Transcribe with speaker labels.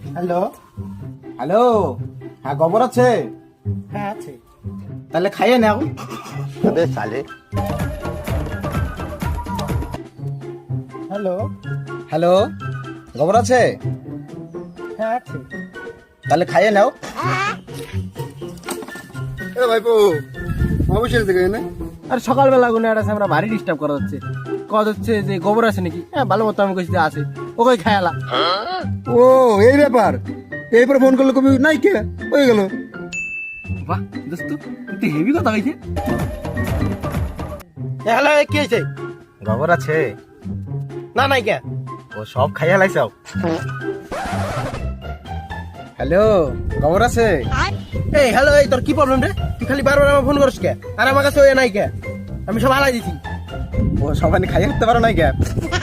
Speaker 1: Hello.
Speaker 2: Hello, হ্যাঁ গোবর আছে?
Speaker 1: হ্যাঁ আছে।
Speaker 2: তাহলে খাইয়ে নাও।
Speaker 3: अबे साले।
Speaker 1: হ্যালো।
Speaker 2: হ্যালো, গোবর আছে?
Speaker 1: হ্যাঁ আছে।
Speaker 2: তাহলে খাইয়ে নাও।
Speaker 3: এ ভাইপো অবশ্যই থেকে না।
Speaker 1: আর সকালবেলা গুনে একটা আমরা ভারী ডিস্টার্ব করা হচ্ছে। কত হচ্ছে যে গোবর আছে নাকি? হ্যাঁ ভালো মতো আমি কইছি যে আছে। ওকে খায়ালা।
Speaker 3: ও এই ব্যাপার, এইবার ফোন করলে কবি নাই কে হয়ে গেল।
Speaker 1: বাহ দোস্ত, তুই হেভি কথা কইছে। হ্যালো, কি হইছে?
Speaker 2: গোবর আছে?
Speaker 1: না নাই কে?
Speaker 2: ও সব খাইয়ে লাইছাও। হ্যালো, গোবর আছে?
Speaker 1: এই হ্যালো, এই তোর কি প্রবলেম রে? তুই খালি বারবার আমার ফোন করিস কে? আর আমার কাছে ওই নাই কে? আমি সব হালাই দিছি।
Speaker 2: ও সবাই খাইয়ে উঠতে পারো নাই কে?